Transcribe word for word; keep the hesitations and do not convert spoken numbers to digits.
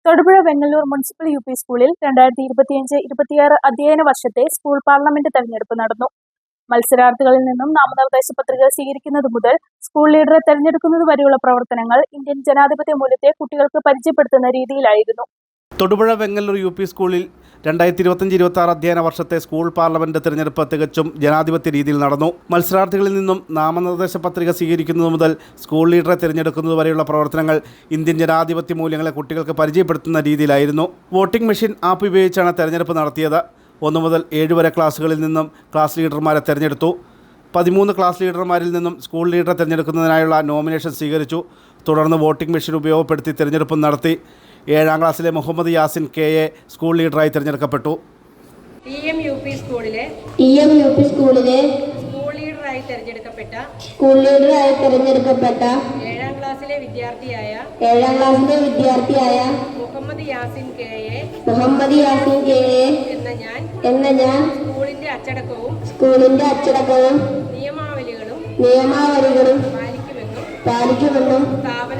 Thodupuzha Vengalloor municipal U P സ്കൂളിൽ രണ്ടായിരത്തി ഇരുപത്തിയഞ്ച് ഇരുപത്തിയാറ് അധ്യയന വർഷത്തെ സ്കൂൾ പാർലമെന്റ് തെരഞ്ഞെടുപ്പ് നടന്നു. മത്സരാർത്ഥികളിൽ നിന്നും നാമനിർദ്ദേശ പത്രിക സ്വീകരിക്കുന്നത് മുതൽ സ്കൂൾ ലീഡറെ തെരഞ്ഞെടുക്കുന്നത് വരെയുള്ള പ്രവർത്തനങ്ങൾ ഇന്ത്യൻ ജനാധിപത്യ മൂല്യത്തെ കുട്ടികൾക്ക് പരിചയപ്പെടുത്തുന്ന രീതിയിലായിരുന്നു. തൊടുപുഴ വെങ്ങല്ലൂർ യു പി സ്കൂളിൽ രണ്ടായിരത്തി ഇരുപത്തഞ്ച് ഇരുപത്തി ആറ് അധ്യയന വർഷത്തെ സ്കൂൾ പാർലമെന്റ് തെരഞ്ഞെടുപ്പ് തികച്ചും ജനാധിപത്യ രീതിയിൽ നടന്നു. മത്സരാർത്ഥികളിൽ നിന്നും നാമനിർദ്ദേശ പത്രിക സ്വീകരിക്കുന്നത് മുതൽ സ്കൂൾ ലീഡറെ തിരഞ്ഞെടുക്കുന്നത് വരെയുള്ള പ്രവർത്തനങ്ങൾ ഇന്ത്യൻ ജനാധിപത്യ മൂല്യങ്ങളെ കുട്ടികൾക്ക് പരിചയപ്പെടുത്തുന്ന രീതിയിലായിരുന്നു. വോട്ടിംഗ് മെഷീൻ ആപ്പ് ഉപയോഗിച്ചാണ് തെരഞ്ഞെടുപ്പ് നടത്തിയത്. ഒന്നു മുതൽ ഏഴ് വരെ ക്ലാസ്സുകളിൽ നിന്നും ക്ലാസ് ലീഡർമാരെ തെരഞ്ഞെടുത്തു. പതിമൂന്ന് ക്ലാസ് ലീഡർമാരിൽ നിന്നും സ്കൂൾ ലീഡറെ തിരഞ്ഞെടുക്കുന്നതിനായുള്ള നോമിനേഷൻ സ്വീകരിച്ചു. തുടർന്ന് വോട്ടിംഗ് മെഷീൻ ഉപയോഗപ്പെടുത്തി തിരഞ്ഞെടുപ്പ് നടത്തി. ഏഴാം ക്ലാസ്സിലെ Muhammad Yasin K A school ലീഡറായി തിരഞ്ഞെടുക്കപ്പെട്ടു. ടി എം യു പി സ്കൂളിലെ ടി എം യു പി സ്കൂളിലെ സ്കൂൾ ലീഡറായി തിരഞ്ഞെടുക്കപ്പെട്ട സ്കൂൾ ലീഡറായി തിരഞ്ഞെടുക്കപ്പെട്ട ഏഴാം ക്ലാസ്സിലെ വിദ്യാർത്ഥിയായ ഏഴാം ക്ലാസ്സിലെ വിദ്യാർത്ഥിയായ Muhammad Yasin K A Muhammad Yasin K A എന്ന ഞാൻ എന്ന ഞാൻ സ്കൂളിന്റെ അച്ചടക്കവും സ്കൂളിന്റെ അച്ചടക്കവും നിയമാവലികളും നിയമാവലികളും പാലിക്കുമെന്നും പാലിക്കുമെന്നും സ്ഥാപന